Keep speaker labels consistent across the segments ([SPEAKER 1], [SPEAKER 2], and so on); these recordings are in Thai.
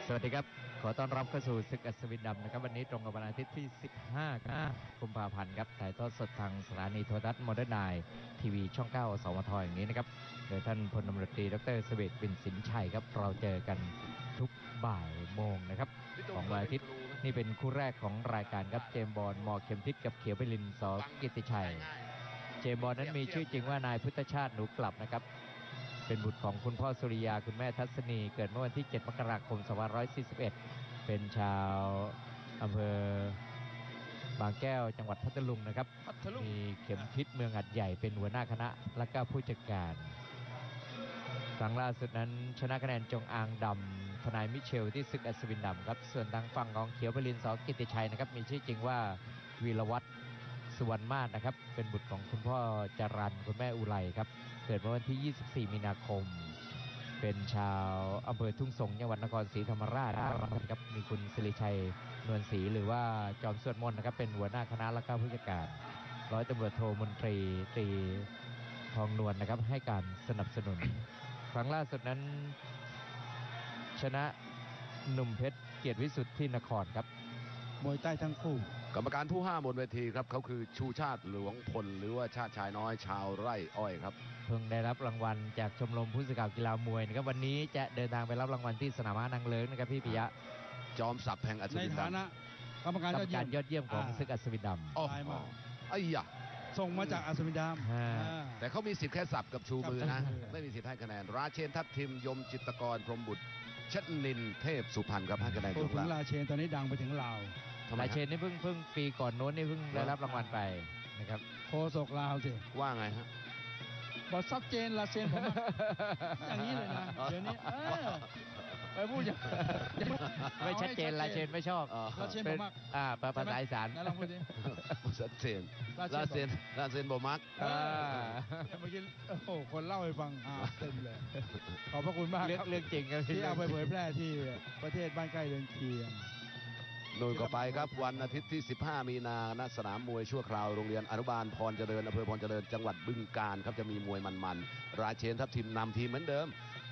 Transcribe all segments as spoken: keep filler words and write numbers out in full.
[SPEAKER 1] สวัสดีครับขอต้อนรับเข้าสู่ศึกอัศวินดำนะครับวันนี้ตรงกับวันอาทิตย์ที่สิบห้ากุมภาพันธ์ครับถ่ายทอดสดทางสถานีโทรทัศน์โมเดิร์นไนน์ทีวีช่องเก้าสมทอย่างนี้นะครับโดยท่านพลตำรวจตรีดร.เสวต วินสินชัยครับเราเจอกันทุกบ่ายโมงนะครับของวันอาทิตย์นี่เป็นคู่แรกของรายการครับเจมส์บอลมอเข็มทิศกับเขียวไปลินสกิตติชัยเจมส์บอลนั้นมีชื่อจริงว่านายพุทธชาติหนูกลับนะครับเป็นบุตรของคุณพ่อสุริยาคุณแม่ทัศนีเกิดเมื่อวันที่เจ็ดมกราคมสองพันห้าร้อยสี่สิบเอ็ดเป็นชาวอำเภอบางแก้วจังหวัดพัทลุงนะครับมีเข็มทิศเมืองหัดใหญ่เป็นหัวหน้าคณะและก็ผู้จัดการครั้งล่าสุดนั้นชนะคะแนนจงอางดำทนายมิเชลที่ศึกอัศวินดำครับส่วนทางฝั่งของเขียวไปลินสกิตติชัยนะครับมีชื่อจริงว่าวีรวัฒน์สุวรรณมาศนะครับเป็นบุตรของคุณพ่อจรัญคุณแม่อุไรครับเกิดเมื่อวันที่ยี่สิบสี่มีนาคมเป็นชาวอำเภอทุ่งสงจังหวัดนครศรีธรรมราชครับมีคุณศิริชัยนวลศรีหรือว่าจอมสวดมนต์นะครับเป็นหัวหน้าคณะและก็ผู้จัดการร้อยตำรวจโทมนตรีตรีทองนวลนะครับให้การสนับสนุนครั้งล่าสุดนั้นชนะหนุ่มเพชรเกียรติวิสุทธิ์ที่นครครับ
[SPEAKER 2] มวยใต้ทั้งคู่
[SPEAKER 3] กรรมการผู้ห้าบนเวทีครับเขาคือชูชาติหลวงพลหรือว่าชาติชายน้อยชาวไร่อ้อยครับ
[SPEAKER 1] เพิ่งได้รับรางวัลจากชมรมผู้สื่อข่าวกีฬามวยนะครับวันนี้จะเดินทางไปรับรางวัลที่สนามม้านางเลิ้งนะครับพี่ปิยะ
[SPEAKER 3] จอมศักดิ์แห่งอัศวินดำในฐานะ
[SPEAKER 2] กรรมการ
[SPEAKER 1] ยอดเยี่ยมของศึกอัศวินดำ
[SPEAKER 3] อ๋อไอ้ยะ
[SPEAKER 2] ส่งมาจากอัศวินด
[SPEAKER 3] ำแต่เขามีสิทธิ์แค่สับกับชูมือนะไม่มีสิทธิ์ให้คะแนนราเชนทัพทิมยมจิตรกรพรหมบุตรชนินเทพสุพรรณครับให้คะแนน
[SPEAKER 2] ถึงราเชนตอนนี้ดังไปถึงลาว
[SPEAKER 1] ราเชนนี่เพิ่งเพิ่งปีก่อนโน้นนี่เพิ่งได้รับรางวัลไปนะครับ
[SPEAKER 2] โคศกลาวสิ
[SPEAKER 3] ว่าไงฮะ
[SPEAKER 2] บอกชัดเจนราเชนผมอย่างนี้เลยนะเดี๋ยวนี้ไปพูดอย่าง
[SPEAKER 1] ไม่ชัดเจนราเชนไม่ชอบ
[SPEAKER 2] ราเชนบอกมาก
[SPEAKER 1] อ่าภาษาอีสาน
[SPEAKER 2] ลองพูดดิ
[SPEAKER 3] ชัดเจนราเชนราเชนบอกมัก
[SPEAKER 2] เมื่อกี้โอ้โหคนเล่าให้ฟังเต็มเลยขอบพระคุณมาก
[SPEAKER 1] เรื่องจริงครับ
[SPEAKER 2] ที่เอาไปเผยแพร่ที่ประเทศบ้านใกล้เรือนเคียง
[SPEAKER 3] โดยก็ไปครับวันอาทิตย์ที่สิบห้ามีนาณสนามมวยชั่วคราวโรงเรียนอนุบาลพรเจริญอำเภอพรเจริญจังหวัดบึงกาฬครับจะมีมวยมันๆราเชนทัพทิมนำทีมเหมือนเดิม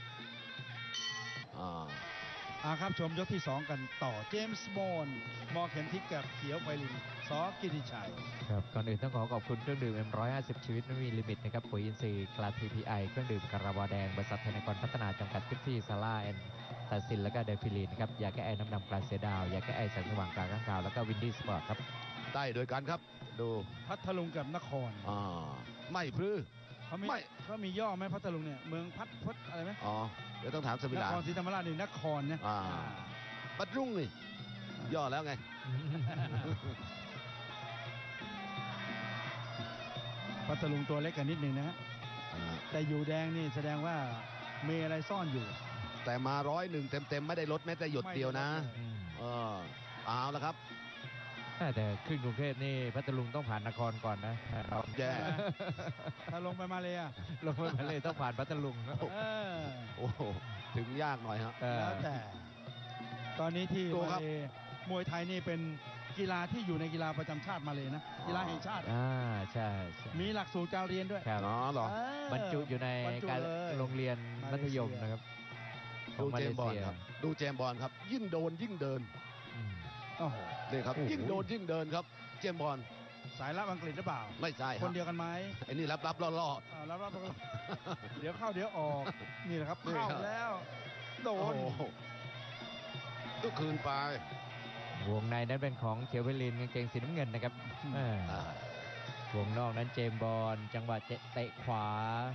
[SPEAKER 2] อ่าอ่าครับชมยกที่สองกันต่อเจมส์บอนด์มอเข็มทิศกับเขียวไพลินสกิตติชัย
[SPEAKER 1] ครับก่อนอื่นต้องขอขอบคุณเครื่องดื่ม เอ็ม หนึ่งร้อยห้าสิบ ชีวิตไม่มีลิมิตนะครับปุ๋ยอินทรีย์กลา ที พี ไอ เครื่องดื่มคาราบาวแดงบริษัทไทยนครพัฒนาจำกัดทิพที่ซาร่าแอนตาซินและก็เดฟิลีนครับยาแก้ไอน้ำดำปลาเสือดาวยาแก้ไอแสงสว่างกลางข้างข่าวแล้วก็วินดี้สปอร์ตครับ
[SPEAKER 3] ได้โดยกันครับดู
[SPEAKER 2] พัทลุงกับนคร
[SPEAKER 3] อ่าไม่พรือ
[SPEAKER 2] เขาไม่เขามีย่อไหมพัทลุงเนี่ยเมืองพัทพัทอะไรไหม
[SPEAKER 3] อ๋อเดี๋ยวต้องถามสมิลาน
[SPEAKER 2] ครศรีธรรมราชนี่นครเนี่ย
[SPEAKER 3] อ่าพัทลุงนี่ย่อแล้วไง
[SPEAKER 2] พัทลุงตัวเล็กกันนิดนึงนะแต่อยู่แดงนี่แสดงว่ามีอะไรซ่อนอยู่
[SPEAKER 3] แต่มาร้อยหนึ่งเต็มๆไม่ได้ลดแม้แต่หยดเดียวนะเออเอาแล้วครับ
[SPEAKER 1] แต่ขึ้นกรุงเทพนี่พัทลุงต้องผ่านนครก่อนนะ
[SPEAKER 3] แย่
[SPEAKER 2] ถ้าลงไปมาเลยอะ
[SPEAKER 1] ลงไปมาเลยต้องผ่านพัทลุง
[SPEAKER 3] โอ้ถึงยากหน่อยครับ
[SPEAKER 2] แล้วแต่ตอนนี้ที่มาเลมวยไทยนี่เป็นกีฬาที่อยู่ในกีฬาประจำชาติมาเลยนะกีฬาแห่งชาติ
[SPEAKER 1] อ่าใช่
[SPEAKER 2] มีหลักสูตรการเรียนด้วย
[SPEAKER 3] ครับอ๋อเหร
[SPEAKER 1] อบรรจุอยู่ในการโรงเรียนมัธยมนะครับ
[SPEAKER 3] ดูเจมบอลครับดูเจมบอลครับยิ่งโดนยิ่งเดิน
[SPEAKER 2] โอ้โห
[SPEAKER 3] นี่ครับยิ่งโดนยิ่งเดินครับเจมบอล
[SPEAKER 2] สายลับอังกฤษหรือเปล่า
[SPEAKER 3] ไม่ใช่
[SPEAKER 2] คนเดียวกันไหม
[SPEAKER 3] ไอ้นี่รับรับล่อล่อ
[SPEAKER 2] รับรับเดี๋ยวเข้าเดี๋ยวออกนี่แหละครับเข้าแล้วโดน
[SPEAKER 3] ก็คืนไป
[SPEAKER 1] วงในนั้นเป็นของเขียวเพลินกางเกงสีน้ำเงินนะครับวงนอกนั้นเจมบอลจังหวะเตะขวา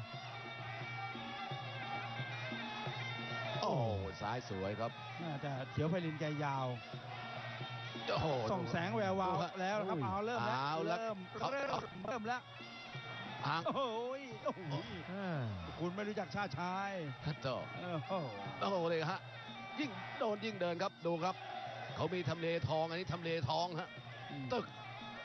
[SPEAKER 3] โอ้ซ้ายสวยครับ
[SPEAKER 2] แต่เขียวเพลินแกยาวส่องแสงแวววาวแล้วครับเอาเริ่มแล้วเริ่มเริ่มเริ่มแล้วโอ้ยคุณไม่รู้จักชาติชาย
[SPEAKER 3] โจ้โอ้โหเลยฮะยิ่งโดนยิ่งเดินครับดูครับเขามีทำเลทองอันนี้ทำเลทองฮะตึก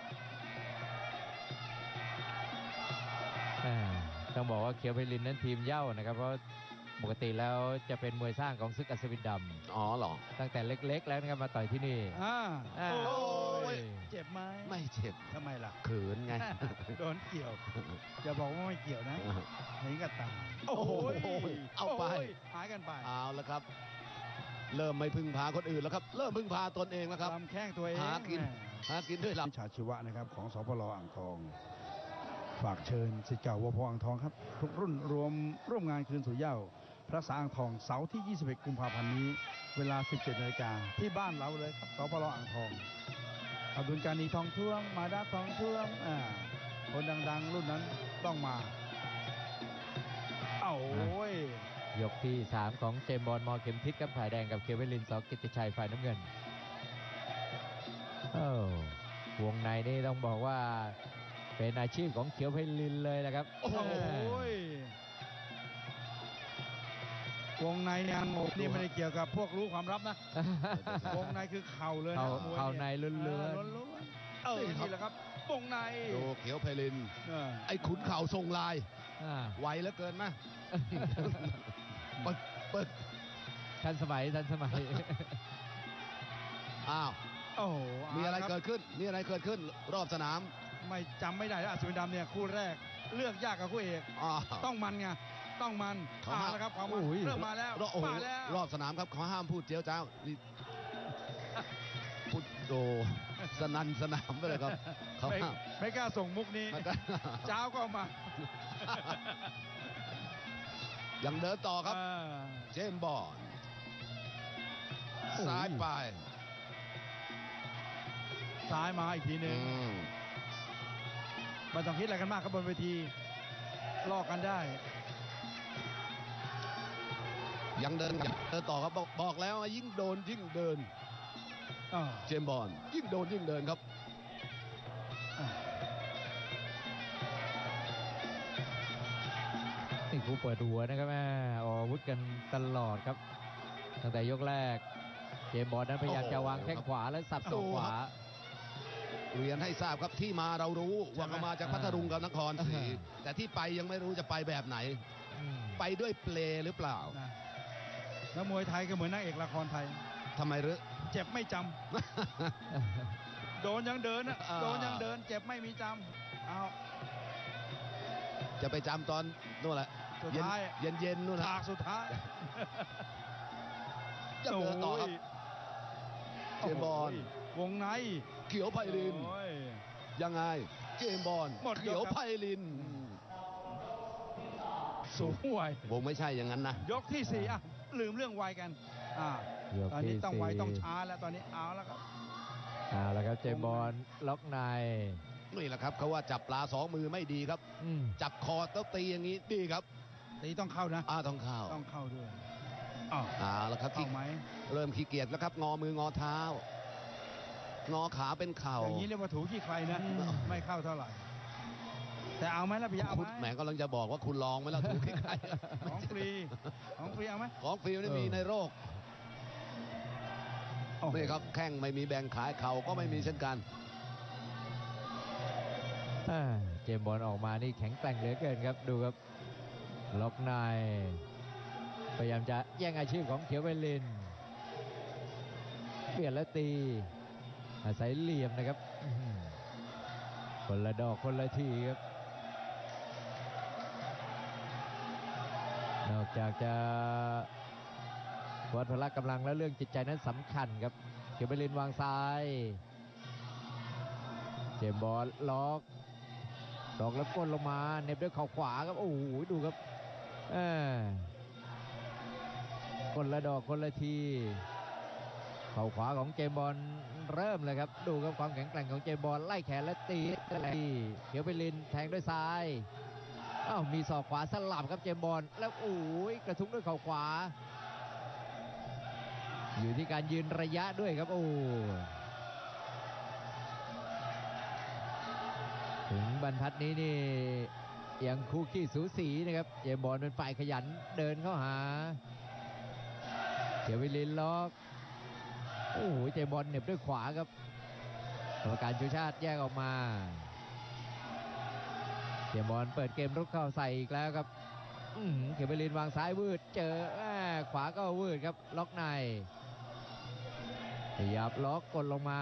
[SPEAKER 1] ต้องบอกว่าเขียวไพลินนั้นทีมเย่านะครับเพราะปกติแล้วจะเป็นมวยสร้างของศึกอัศวินดำ
[SPEAKER 3] อ๋อเหรอ
[SPEAKER 1] ตั้งแต่เล็กๆแล้วนะครับมาต่อยที่นี่
[SPEAKER 2] อ่า
[SPEAKER 3] โอ้ย
[SPEAKER 2] เจ็บไหม
[SPEAKER 3] ไม่เจ็บ
[SPEAKER 2] ทำไมล่ะ
[SPEAKER 3] เขินไง
[SPEAKER 2] โดนเกี่ยวอย่าบอกว่าไม่เกี่ยวนะเห็นกับตา
[SPEAKER 3] โอ้โหเอาไป
[SPEAKER 2] หายกันไป
[SPEAKER 3] เอาแล้วครับเริ่มไม่พึ่งพาคนอื่นแล้วครับเริ่มพึ่งพาตนเองแล้วครับ
[SPEAKER 2] ลำแข้งตัวเอง
[SPEAKER 3] หากินหากินด้วยลำ
[SPEAKER 2] วิชาชีวะนะครับของสปลอ่างทองฝากเชิญศิษย์เก่าวพอ่างทองครับทุกรุ่นรวมร่วมงานคืนสู่เหย้าพระสาอ่างทองเสาร์ที่ ยี่สิบเอ็ด กุมภาพันธ์นี้เวลา สิบเจ็ดนาฬิกาที่บ้านเราเลยครับสปลอ่างทองอับดุลกานีทองท่วมมาดาทองท่วมอ่าคนดังๆรุ่นนั้นต้องมาเอ้าโอ้ย
[SPEAKER 1] ยกที่สามของเจมส์บอลมอเข็มทิศกับฝ่ายแดงกับเควินลินสกิตติชัยฝ่ายน้ำเงินโอ้วงในนี่ต้องบอกว่าเป็นอาชีพของเขียวไพลินเลยนะครับ
[SPEAKER 2] โอ้ย วงในเนี่ยนี่ไม่ได้เกี่ยวกับพวกรู้ความลับนะ วงในคือเข่าเลยนะมวย
[SPEAKER 1] เข่าในล้วนๆ
[SPEAKER 2] ล้วนๆเออนี่แหละครับวงใน
[SPEAKER 3] ดูเขียวไพลินไอ้ขุนเข่าทรงลายไวเหลือเกินนะเปิดเปิด
[SPEAKER 1] ทันสมัยทันสมัย
[SPEAKER 3] อ้าว
[SPEAKER 2] โอ้โห
[SPEAKER 3] มีอะไรเกิดขึ้นมีอะไรเกิดขึ้นรอบสนาม
[SPEAKER 2] ไม่จำไม่ได้แล้วอัศวินดำเนี่ยคู่แรกเลือกยากกับคู่เอกต้องมันไงต้องมันมาแล้วครับความมันเริ่มมาแล้วมาแล้ว
[SPEAKER 3] รอบสนามครับเขาห้ามพูดเจียวจ้าวพูดโดสนันสนามไปเลยครับเขา
[SPEAKER 2] ไม่ไม่กล้าส่งมุกนี้เจ้าก็มา
[SPEAKER 3] ยังเดินต่อครับเจมส์บอลซ้ายไป
[SPEAKER 2] ซ้ายมาอีกทีหนึ่งไม่ต้องคิดอะไรกันมากครับบนเวทีลอกกันได้
[SPEAKER 3] ยังเดินเดินต่อครับบอกบอกแล้วยิ่งโดนยิ่งเดินเจมส์บอลยิ่งโดนยิ่งเดินครับ
[SPEAKER 1] นี่คู่เปิดหัวนะครับแม่ออกอาวุธกันตลอดครับตั้งแต่ยกแรกเจมส์บอลนั้นพยายามจะวางแข้งขวาและสับศอกขวา
[SPEAKER 3] เรียนให้ทราบครับที่มาเรารู้ว่าเขามาจากพัทลุงกับนครศรีแต่ที่ไปยังไม่รู้จะไปแบบไหนไปด้วยเปลหรือเปล่า
[SPEAKER 2] แล้วมวยไทยก็เหมือนนักเอกละครไทย
[SPEAKER 3] ทำไมหรือ
[SPEAKER 2] เจ็บไม่จำโดนยังเดินโดนยังเดินเจ็บไม่มีจำเอา
[SPEAKER 3] จะไปจำตอนนู่นแหละ
[SPEAKER 2] สุดท้าย
[SPEAKER 3] เย็นเย็นนู่น
[SPEAKER 2] ฉากสุดท้าย
[SPEAKER 3] จะเดินต่อครับเจมส์บอล
[SPEAKER 2] วงใน
[SPEAKER 3] เขียวไพลินยังไงเจมส์บอลเขียวไพลิน
[SPEAKER 2] สูงวัยว
[SPEAKER 3] งไม่ใช่อย่างนั้นนะ
[SPEAKER 2] ยกที่สี่อ่ะลืมเรื่องวัยกันอ่าตอนนี้ต้องไวต้องช้าแล้วตอนนี้เอาแล้วครับ
[SPEAKER 1] เอาแล้วครับเจมส์บอลล็อกใน
[SPEAKER 3] นี่แหละครับเขาว่าจับปลาสองมือไม่ดีครับจับคอต้องตีอย่างนี้ดีครับ
[SPEAKER 2] ตีต้องเข้านะ
[SPEAKER 3] อ่าต้องเข้า
[SPEAKER 2] ต้องเข้าด้วย
[SPEAKER 3] อ๋อแล้วครับ
[SPEAKER 2] เข้าไหม
[SPEAKER 3] เริ่มขี้เกียจแล้วครับงอมืองอเท้างอขาเป็นเข่า
[SPEAKER 2] อย่างนี้เรียกว่าถูขี้ใครนะไม่เข้าเท่าไหร่แต่เอาไหมล่ะพี่เอาไหม
[SPEAKER 3] แหมกำลังจะบอกว่าคุณลองไหมล่ะถูขี้ใคร
[SPEAKER 2] ของฟรีของฟรีเอาไหม
[SPEAKER 3] ของฟรีไม่มีในโลกนี่ครับแข้งไม่มีแบ่งขายเข่าก็ไม่มีเช่นกัน
[SPEAKER 1] เจมส์บอลออกมานี่แข็งแกร่งเหลือเกินครับดูครับล็อกในพยายามจะแย่งอาชีพของเขียวไพลินเปลี่ยนแล้วตีอาศัยเหลี่ยมนะครับคนละดอกคนละทีครับนอกจากจะวัดพละกำลังและเรื่องจิตใจนั้นสำคัญครับเขียวไพลินวางซ้ายเจมส์บอลล็อกดอกแล้วก้นลงมาเน็บด้วยเข่าขวาครับโอ้โหดูครับเออคนละดอกคนละทีเข่าขวาของเจมส์บอลเริ่มเลยครับดูครับความแข็งแกร่งของเจมส์บอลไล่แขนและตีเขียวไพลินแทงด้วยซ้ายอ้าวมีศอกขวาสลับครับเจมส์บอลแล้วโอ้ยกระทุ้งด้วยเข่าขวาอยู่ที่การยืนระยะด้วยครับโอ้ถึงบรรทัดนี้นี่ยังคู่ขี้สูสีนะครับเจมส์บอลเป็นฝ่ายขยันเดินเข้าหาเขียวไพลินล็อกโอ้โหเจมส์บอลเหน็บด้วยขวาครับกรรมการชูชาติแยกออกมาเจมส์บอลเปิดเกมรุกเข้าใส่อีกแล้วครับเขียวไพลินวางซ้ายวืดเจอขวาก็วืดครับล็อกในขยับล็อกกดลงมา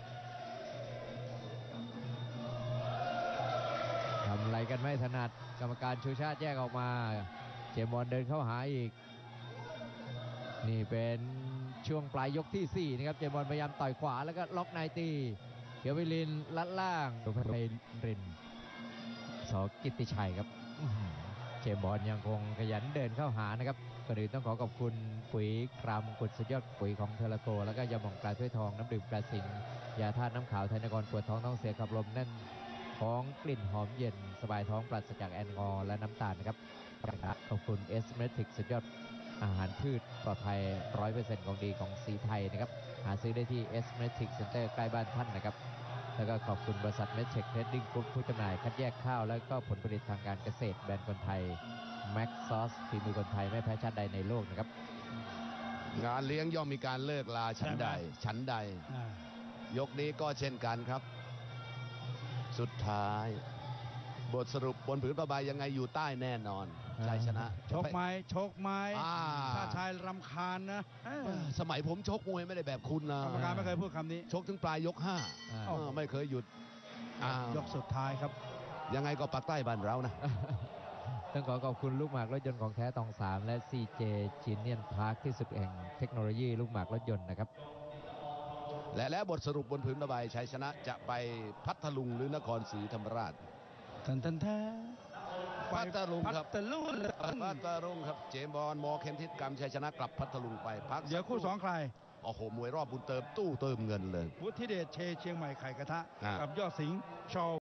[SPEAKER 1] ทำอะไรกันไม่ถนัดกรรมการชูชาติแยกออกมาเจมส์บอลเดินเข้าหาอีกนี่เป็นช่วงปลายยกที่สี่นะครับเจมส์บอลพยายามต่อยขวาแล้วก็ล็อกในตีเขียววิลินลัดล่างสุภไพรินสกิตติชัยครับเจมส์บอลยังคงขยันเดินเข้าหานะครับก่อนอื่นต้องขอขอบคุณปุ๋ยครามกุดสุดยอดปุ๋ยของเทอร์โกแล้วก็ยาหม่องปลาถ้วยทองน้ำดื่มปลาสิงยาธาตุน้ำขาวไทยนครปวดท้องท้องเสียขับลมแน่นท้องกลิ่นหอมเย็นสบายท้องปราศจากแอลกอฮอล์และน้ำตาลนะครับขอบคุณเอสเมทิกสุดยอดอาหารพืชปลอดภัย ร้อยเปอร์เซ็นต์ ของดีของสีไทยนะครับหาซื้อได้ที่เอสเมทิกเซ็นเตอร์ใกล้บ้านท่านนะครับแล้วก็ขอบคุณบริษัทเมทเทคเทรดดิ้งกรุ๊ปผู้จำหน่ายคัดแยกข้าวและก็ผลผลิตทางการเกษตรแบรนด์คนไทยแม็กซอสฝีมือคนไทยไม่แพ้ชาติใดในโลกนะครับ
[SPEAKER 3] งานเลี้ยงย่อมมีการเลิกลาฉันใดฉันใดยกนี้ก็เช่นกันครับสุดท้ายบทสรุปบนผืนผ้าใบยังไงอยู่ใต้แน่นอนชัยชนะ
[SPEAKER 2] ชกไม้ชกไม้ถ้าชายรำคาญนะ
[SPEAKER 3] สมัยผมชกมวยไม่ได้แบบคุณนะ
[SPEAKER 2] กรรมการไม่เคยพูดคำนี้
[SPEAKER 3] ชกถึงปลายยกห้าไม่เคยหยุด
[SPEAKER 2] ยกสุดท้ายครับ
[SPEAKER 3] ยังไงก็ปักใต้บ้านเรานะ
[SPEAKER 1] ต้องขอขอบคุณลูกหมากรถยนต์ของแท้ตองสามและ ซี เจ Genius Park ที่สุดแห่งเทคโนโลยีลูกหมากรถยนต์นะครับ
[SPEAKER 3] และแล้วบทสรุปบนผืนผ้าใบชัยชนะจะไปพัทลุงหรือนครศรีธรรมราช
[SPEAKER 2] ทันทันแท้
[SPEAKER 3] พัทลุงครับ
[SPEAKER 2] พัทลุง
[SPEAKER 3] พัทลุงครับเจมส์บอลมอเข็มทิศกรรมชัยชนะกลับพัทลุงไปพัก
[SPEAKER 2] เดี๋ยวคู่สองใคร
[SPEAKER 3] โอ้โหมวยรอบบุญเติมตู้เติมเงินเลย
[SPEAKER 2] วุฒิเดชเชเชียงใหม่ไข่กระทะกับยอดสิงห์ชอ